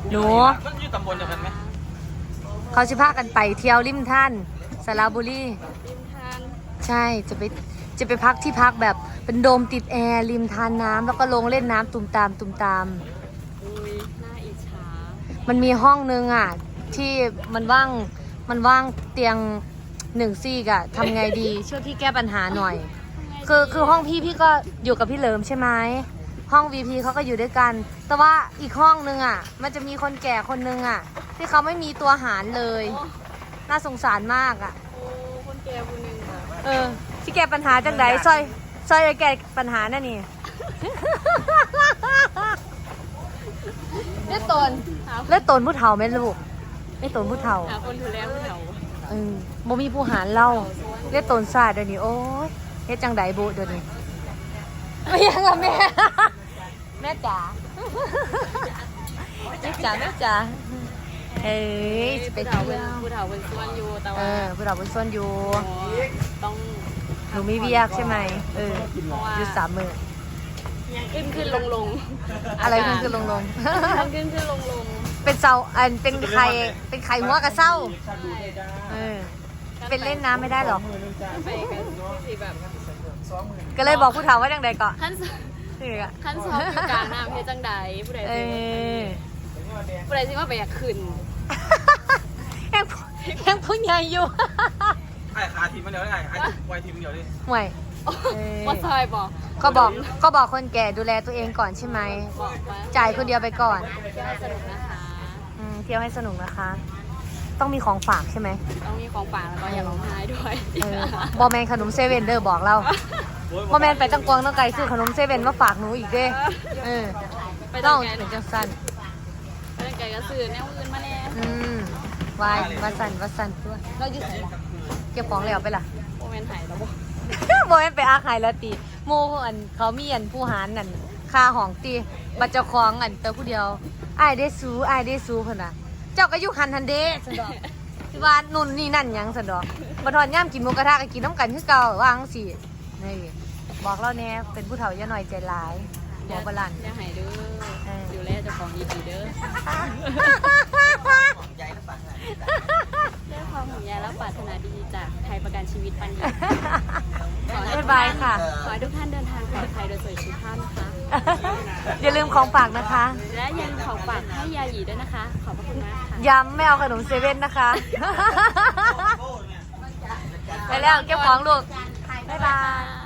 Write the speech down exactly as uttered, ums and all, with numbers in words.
หนูมันอยู่ตำบลเดียวกันไหมเขาจะพากันไปเที่ยวริมท่านสระบุรีริมทานใช่จะไปจะไปพักที่พักแบบเป็นโดมติดแอร์ริมทานน้ำแล้วก็ลงเล่นน้ำตุ่มตามตุ่มตามอุ้ยน่าอิจฉามันมีห้องนึงอ่ะที่มันว่างมันว่างเตียงหนึ่งซี่กะทำไงดีช่วยพี่แก้ปัญหาหน่อยคือคือห้องพี่พี่ก็อยู่กับพี่เหลิมใช่ไหมห้อง วี พี เขาก็อยู่ด้วยกันแต่ว่าอีกห้องนึงอ่ะมันจะมีคนแก่คนนึงอ่ะที่เขาไม่มีตัวหารเลยน่าสงสารมากอ่ะโอ้คนแก่คนหนึ่งค่ะเออที่แก้ปัญหาจังไดซอยซอยแก้ปัญหานั่นนี่เลือดตนเลือดตนผู้เฒ่าไหมลูกเลือดตนผู้เฒ่าหาคนดูแลผู้เฒ่าเออบ่มีผู้หารเล่าเลือดตนซาเดี๋ยวนี้โอ้ยเฮ็ดจังไดบุเดี๋ยวนี้ไม่ยังกับแม่แม่จ๋าแม่จ๋าแม่จ๋าเฮ้ยไปเที่ยวผู้เฒ่าเป็นส่วนอยู่แต่เอว่าอผู้เฒ่าเป็นส่วนอยู่ต้องหนูมีเวียกใช่ไหมเอออยู่สามมือขึ้นขึ้นลงลงอะไรขึ้นขึ้นลงลงขึ้นขึ้นลงลงเป็นเศร้าอันเป็นไข่เป็นไข่หัวกระเศร้าเออเป็นเล่นน้ำไม่ได้หรอกไปกันที่แบบก็เลยบอกผู้เฒ่าว่าจังใดก่อนขั้นนี่อะขั้นสอบอยู่กลางน้ำเพชรจังใดผู้ใดเอสิอผู้ใดสิว่าไปอยากขึ้นยังยังผู้ใหญ่อยู่ไอ้ขาทีมมันเดียวได้ไงไอ้ไวทีมเดียวดิห่วยว่าซอยบอกก็บอกก็บอกคนแก่ดูแลตัวเองก่อนใช่ไหมบอกว่าจ่ายคนเดียวไปก่อนเที่ยวสนุกนะคะอืมเที่ยวให้สนุกนะคะ ต้องมีของฝากใช่ไหมต้องมีของฝากแล้วก็อย่าร้องไห้ด้วยเออบอแมนขนมเซเว่นเด้อบอกเราบอแมนไปจังกวางต้องไกลซื้อขนมเซเว่นมาฝากหนูอีกเด้เออไปต้ตั้อง งไกลถึงจังสั้นไปตั้งไกลก็ซื้อแนวอื่นมาแน่อืมวายวัดสันวัดสันตัวเราอยู่ไหนล่ะเก็บของแล้วไปล่ะโมเมนต์หายแล้วบอกบอแมนไปอาขายแล้วตีโมอันเขามีอันผู้หารนั่นค่าห้องตีบัตรเจ้าของอันเตอผู้เดียวไอ้ายได้ซูไอ้ายได้ซูเพิ่นน่ะเจ้าก็อยู่หันทันเด้สันดอกที่ว่านุ่นนี่นั่นหยังสันดอกบ่ทอนย่ามกินหมูกระทะก็กินน้ำกันคือเก่าวาจั่งสินี่บอกเราแน่เป็นผู้เฒ่าอย่าหน่อยใจร้ายบอกบาลันอย่าหายเด้อเออดูแลเจ้าของดีๆเด้อด้วยความห่วงใยและปรารถนาดีจากไทยประกันชีวิตปันดีขอให้ทุบ๊าก ยท่าบายนค่ะขอให้ทุกท่านเดินทางปลอดภัยโดยสวัสดิภาพนะคะอย่าลืมของฝากนะคะและยังของฝากให้ยาหยีด้วยนะคะ ขอบพระคุณมากค่ะย้ำไม่เอาขนมเซเว่นนะคะ ไปแล้วเก็บของลูก บ๊ายบาย